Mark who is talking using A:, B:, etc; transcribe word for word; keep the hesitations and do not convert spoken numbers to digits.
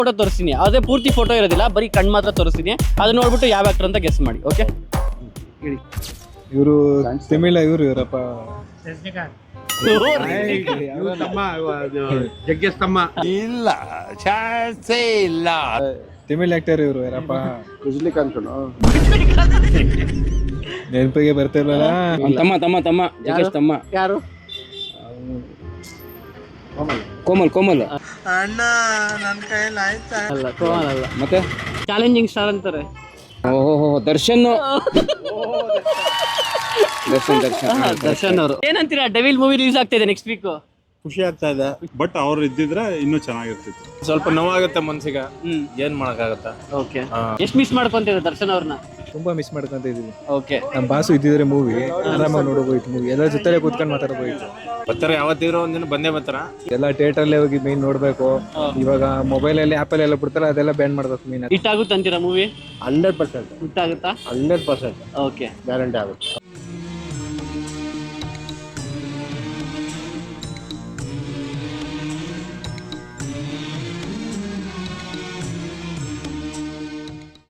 A: Photo ತೋರಿಸ್ತೀನಿ, ಅದೇ ಪೂರ್ತಿ ಫೋಟೋ ಇರೋದಿಲ್ಲ, ಬರೀ ಕಣ್ಣು ಮಾತ್ರ ತೋರಿಸ್ತೀನಿ. ಅದನ್ನ ನೋಡ್ಬಿಟ್ಟು ಯಾವ ಆಕ್ಟರ್ ಅಂತ ಗೆಸ್ ಮಾಡಿ. ಓಕೆ, ಹೇಳಿ.
B: ಇವರು ತಮಿಳ ಇವರು ಇವರಪ್ಪ
C: ಜಗ್ಗೇಶ್ ತಮ್ಮ
D: ಇಲ್ಲ, ಚಾನ್ಸೇ ಇಲ್ಲ.
B: ತಮಿಳ್ ಆಕ್ಟರ್ ಇವರು ಯಾರಪ್ಪ,
C: ರಜನಿಕಾಂತ್
B: ನೆನಪಿಗೆ ಬರ್ತಿಲ್ವಲ್ಲ.
A: ತಮ್ಮ ತಮ್ಮ ತಮ್ಮ ಜಗ್ಗೇಶ್ ತಮ್ಮ
C: ಯಾರು?
A: ಕೋಮಲ್ ಕೋಮಲ್
D: ಅಣ್ಣ ನನ್ನ ಕೈಯಲ್ಲಿ ಆಯ್ತಾ?
A: ಅಲ್ಲ, ಕೋಮಲ್ ಅಲ್ಲ. ಮತ್ತೆ ಚಾಲೆಂಜಿಂಗ್ ಸ್ಟಾರ್ ಅಂತಾರೆ. ಓಹೋ, ದರ್ಶನ್ ದರ್ಶನ್ ದರ್ಶನ್ ದರ್ಶನ್ ಅವರು. ಏನಂತೀರಾ, ಡೆವಿಲ್ ಮೂವಿ ರಿಲೀಸ್ ಆಗ್ತಾ ಇದೆ ನೆಕ್ಸ್ಟ್ ವೀಕ್.
E: ಖುಷಿ ಆಗ್ತಾ ಇದೆ, ಬಟ್ ಅವ್ರು ಇದ್ದಿದ್ರೆ ಇನ್ನೂ ಚೆನ್ನಾಗಿರ್ತಿತ್ತು.
D: ಸ್ವಲ್ಪ ನೋವಾಗುತ್ತೆ ಮನ್ಸಿಗೆ, ಏನ್ ಮಾಡಕ್ಕಾಗತ್ತ.
A: ಓಕೆ, ಎಷ್ಟು ಮಿಸ್ ಮಾಡ್ಕೊಂತೀರಾ ದರ್ಶನ್ ಅವ್ರನ್ನ?
B: ತುಂಬಾ ಮಿಸ್ ಮಾಡ್ಕೊಂತ ಇದೀವಿ.
A: ಓಕೆ,
B: ನಮ್ಮ ಬಾಸು ಇದ್ದಿದ್ರೆ ಮೂವಿ ಆರಾಮಾಗಿ ನೋಡಬೋಯ್ತು. ಮೂವಿ ಎಲ್ಲ ಜೊತೆ ಕೂತ್ಕೊಂಡು ಮಾತಾಡಬೋಯ್ತು.
D: ಬರ್ತಾರೆ, ಯಾವತ್ತಿರೋ ಒಂದಿನ ಬಂದೇ ಬರ್ತಾರ.
B: ಎಲ್ಲ ಥಿಯೇಟರ್ ಅಲ್ಲೇ ಹೋಗಿ ಮೀನ್ ನೋಡ್ಬೇಕು. ಇವಾಗ ಮೊಬೈಲ್ ಅಲ್ಲಿ ಆಪಲ್ ಎಲ್ಲ ಬಿಡ್ತಾರೆ, ಅದೆಲ್ಲ ಬ್ಯಾನ್ ಮಾಡ್ಬೇಕು ಮೀನ್.
A: ಹಿಟ್ ಆಗುತ್ತೆ ಅಂತೀರಾ ಮೂವಿ?
C: ಹಂಡ್ರೆಡ್ ಪರ್ಸೆಂಟ್
A: ಹಿಟ್ ಆಗುತ್ತಾ?
C: ಹಂಡ್ರೆಡ್ ಪರ್ಸೆಂಟ್
A: ಓಕೆ,
C: ಗ್ಯಾರಂಟಿ ಆಗುತ್ತೆ.